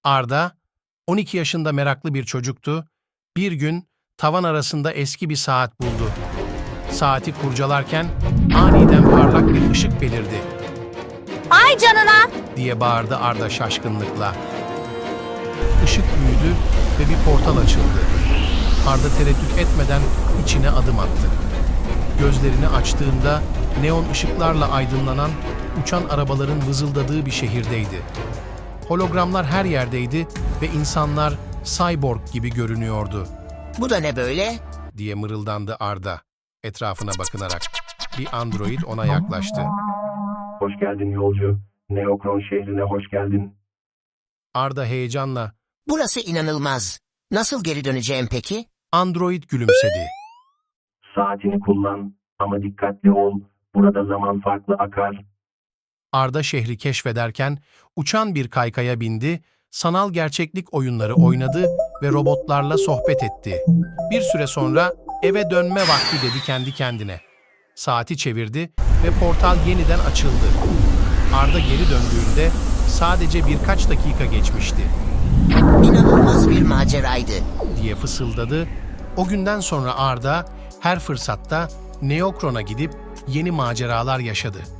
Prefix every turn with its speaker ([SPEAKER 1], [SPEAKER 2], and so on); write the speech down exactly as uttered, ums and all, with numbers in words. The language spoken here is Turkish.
[SPEAKER 1] Arda, on iki yaşında meraklı bir çocuktu. Bir gün tavan arasında eski bir saat buldu. Saati kurcalarken aniden parlak bir ışık belirdi
[SPEAKER 2] Ay canına!
[SPEAKER 1] diye bağırdı Arda şaşkınlıkla. Işık büyüdü ve bir portal açıldı. Arda tereddüt etmeden içine adım attı. Gözlerini açtığında neon ışıklarla aydınlanan uçan arabaların vızıldadığı bir şehirdeydi. Hologramlar her yerdeydi ve insanlar cyborg gibi görünüyordu
[SPEAKER 3] Bu da ne böyle?
[SPEAKER 1] diye mırıldandı Arda etrafına bakınarak. Bir android ona yaklaştı.
[SPEAKER 4] Hoş geldin yolcu. Neokron şehrine hoş geldin.
[SPEAKER 1] Arda heyecanla
[SPEAKER 3] Burası inanılmaz. Nasıl geri döneceğim peki?
[SPEAKER 1] android gülümsedi.
[SPEAKER 4] Saatini kullan ama dikkatli ol. Burada zaman farklı akar.
[SPEAKER 1] Arda şehri keşfederken uçan bir kaykaya bindi, sanal gerçeklik oyunları oynadı ve robotlarla sohbet etti. Bir süre sonra eve dönme vakti dedi kendi kendine. Saati çevirdi ve portal yeniden açıldı. Arda geri döndüğünde sadece birkaç dakika geçmişti
[SPEAKER 3] İnanılmaz bir maceraydı.
[SPEAKER 1] diye fısıldadı. O günden sonra Arda her fırsatta Neokron'a gidip yeni maceralar yaşadı.